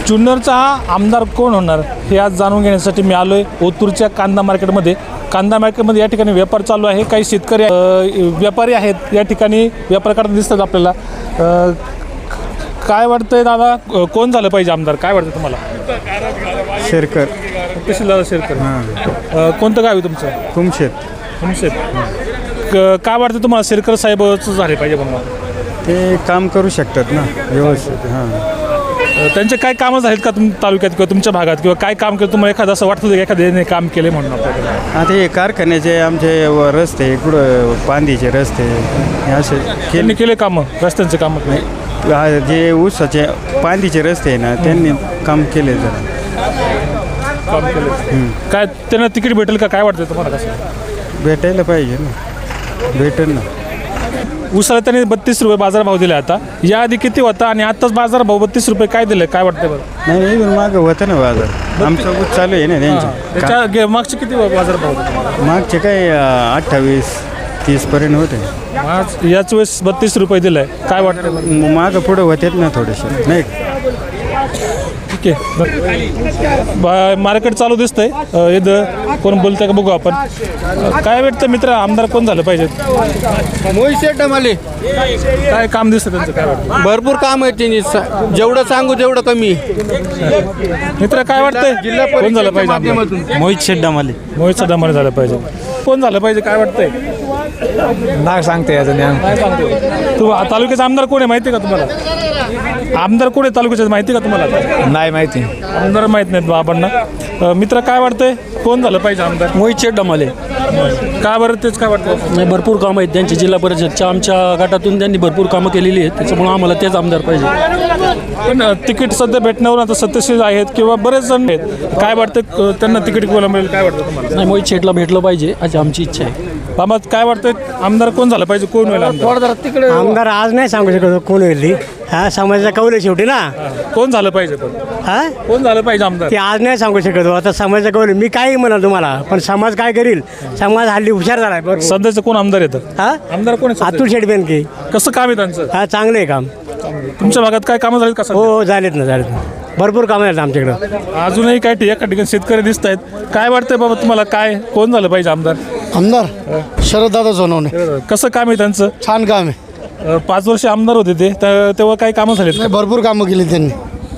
जुन्नरचा आमदार कोण होणार हे आज जाणून घेण्यासाठी मी आलो आहे ओतूरच्या कांदा मार्केटमध्ये. कांदा मार्केटमध्ये या ठिकाणी व्यापार चालू आहे. काही शेतकरी व्यापारी आहेत या ठिकाणी व्यापार करताना दिसतात आपल्याला. काय वाटतंय दादा, कोण झालं पाहिजे आमदार, काय वाटतं तुम्हाला? शेरकर. तहसीलदार शेरकर. कोणतं गाव आहे तुमचं? तुमशेत. काय वाटतं तुम्हाला शेरकर साहेबच झाले पाहिजे म्हणून? ते काम करू शकतात ना व्यवस्थित. हां, त्यांचे काय कामं झालेत का तालुक्यात किंवा तुमच्या भागात, किंवा काय काम केलं तुम्हाला एखादं असं वाटतं की एखाद्याने काम केले म्हणून आपल्याकडे? आता हे कारखान्याचे आमचे रस्ते इकडं पांदीचे रस्ते हे असे त्यांनी केले कामं, रस्त्यांचे कामं नाही. जे ऊसाचे पांदीचे रस्ते आहे ना त्यांनी काम केले जरा. काम केले. काय त्यांना तिकीट भेटेल का, काय वाटतं तुम्हाला? कसं भेटायला पाहिजे ना, भेटेल ना. ऊसाला त्यांनी 32 रुपये बाजारभाव दिले. आता याआधी किती होता आणि आत्ताच बाजारभाव 32 रुपये काय दिले, काय वाटतं बरं? नाही मागं होतं ना बाजार, आमचा ऊस चालू आहे ना त्यांचे. त्याच्या मागचे किती बाजारभाव होते? मागचे काय 28-30 पर्यंत होते. आज याच वेळेस 32 रुपये दिलं आहे, काय वाटतं? मागं पुढं होतेच ना थोडेसे, नाही ठीक आहे. मार्केट चालू दिसतंय. इथं कोण बोलतंय का बघू आपण. काय वाटतं मित्र, आमदार कोण झालं पाहिजे? मोहित डमाले. काय काम दिसतं त्यांचं, काय वाटतं? भरपूर काम आहे त्यांनी, जेवढं सांगू तेवढं कमी. मित्र काय वाटतंय, कोण झालं पाहिजे आमदार? मोहित डमाले. मोहित डमाले झालं पाहिजे. कोण झालं पाहिजे, काय वाटतंय? नाग सांगते याचं ज्ञान. काय सांगतो तू? तालुक्याचा आमदार कोण आहे माहिती का तुम्हाला? आमदार कोण आहे तालुक्याचं माहिती का तुम्हाला? नाही माहिती. आमदार माहीत नाहीत बाबांना. मित्र काय वाटतंय, कोण झालं पाहिजे आमदार? मोहित डमाले. का बरं, तेच काय वाटतं? नाही, भरपूर कामं आहेत त्यांची. जिल्हा परिषदच्या आमच्या गटातून त्यांनी भरपूर कामं केलेली आहेत, त्याच्यामुळे आम्हाला तेच आमदार पाहिजे. पण तिकीट सध्या भेटण्यावर आता सत्यशील आहेत किंवा बरेच जण आहेत, काय वाटतं त्यांना तिकीट कोणाला मिळेल, काय वाटतं तुम्हाला? नाही, मोहित शेटला भेटलं पाहिजे अशी आमची इच्छा आहे. बाबा काय वाटतं, आमदार कोण झालं पाहिजे, कोण होईल आमदार? आमदार आज नाही सांगू शकत कोण होईल ती. हा समाजाचा कौल आहे शेवटी ना. कोण झालं पाहिजे, पण हा कोण झालं पाहिजे आमदार? ते आज नाही सांगू शकत. आता समाजाचा कौल आहे. मी काही म्हणाल तुम्हाला, पण समाज काय करील? समाज हल्ली हुशार झालाय. बरोबर. सध्याचं कोण आमदार येतं? हा, आमदार कोण आहे? अतुल शेठ बेनके. कसं काम आहे त्यांचं? हा, चांगलं आहे काम. तुमच्या भागात काय कामं झालीत का सध्या? हो, झालेत ना. भरपूर कामं आहेत आमच्याकडं. अजूनही काय एका ठिकाणी शेतकरी दिसत आहेत. काय वाटतंय बाबा तुम्हाला, काय कोण झालं पाहिजे आमदार? आमदार शरददादा सोनवणे. कसं काम आहे त्यांचं? छान काम आहे. 5 वर्ष आमदार होते ते, तेव्हा काही कामं झालीत? नाही, भरपूर कामं केली त्यांनी.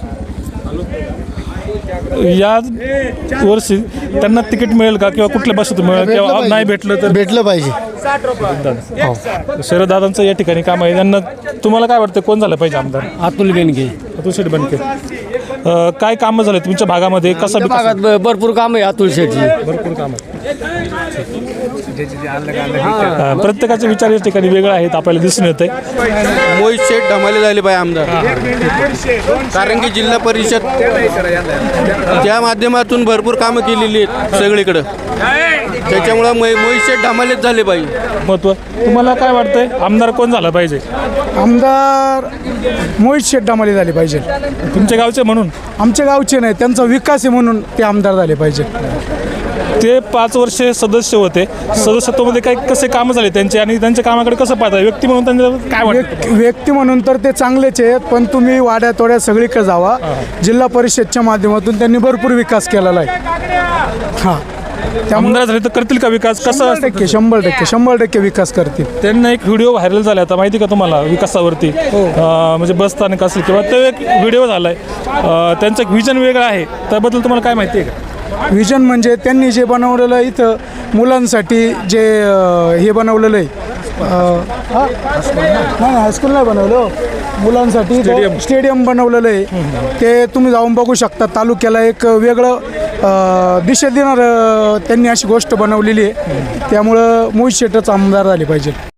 या वर्षी त्यांना तिकीट मिळेल का, किंवा कुठल्या बसत मिळेल, किंवा नाही भेटलं तर? भेटलं पाहिजे. शरददादांचं या ठिकाणी काम आहे. त्यांना तुम्हाला काय वाटतं, कोण झालं पाहिजे आमदार? अतुल बेनके. अतुल शेठ बेनके. काय कामं झाले तुमच्या भागामध्ये? कसं भागात भरपूर काम आहे अतुल शेटची. भरपूर काम आहे. प्रत्येकाचे विचार या ठिकाणी वेगळे आहेत, आपल्याला दिसून येत आहे. मोहित शेठ डमाले झाले पाहिजे आमदार, कारण की जिल्हा परिषद त्या माध्यमातून भरपूर कामं केलेली आहेत सगळीकडं, त्याच्यामुळं मोहित शेठ डमालेच झाले पाहिजे. महत्व तुम्हाला काय वाटतंय, आमदार कोण झालं पाहिजे? आमदार मोहित शेठ डमाले झाले पाहिजे. तुमच्या गावचे म्हणून? आमच्या गावचे नाही, त्यांचा विकास आहे म्हणून ते आमदार झाले पाहिजे. ते 5 वर्षे सदस्य होते. सदस्यत्वामध्ये काही कसे कामं झाले त्यांचे, आणि त्यांच्या कामाकडे कसं पाहता व्यक्ती म्हणून त्यांना काय वाटतं? व्यक्ती म्हणून तर ते चांगलेच आहेत, पण तुम्ही वाड्या तोड्या सगळीकडे जावा. जिल्हा परिषदच्या माध्यमातून त्यांनी भरपूर विकास केलेला आहे. हां, आमदार झाले तर करतील का विकास? कसं? 100% विकास करतील. त्यांना एक व्हिडिओ व्हायरल झाला आता, माहिती का तुम्हाला, विकासावरती? म्हणजे बस स्थानक असेल किंवा तो एक व्हिडिओ झाला आहे. त्यांचं एक विजन वेगळं आहे, त्याबद्दल तुम्हाला काय माहिती आहे का? विजन म्हणजे त्यांनी जे बनवलेलं आहे इथं मुलांसाठी, जे हे बनवलेलं आहे, नाही हायस्कूल नाही बनवलं, मुलांसाठी स्टेडियम बनवलेलं आहे. ते तुम्ही जाऊन बघू शकता. तालुक्याला एक वेगळं दिशा देणार त्यांनी अशी गोष्ट बनवलेली आहे. त्यामुळं मोहित शेठच आमदार झाले पाहिजे.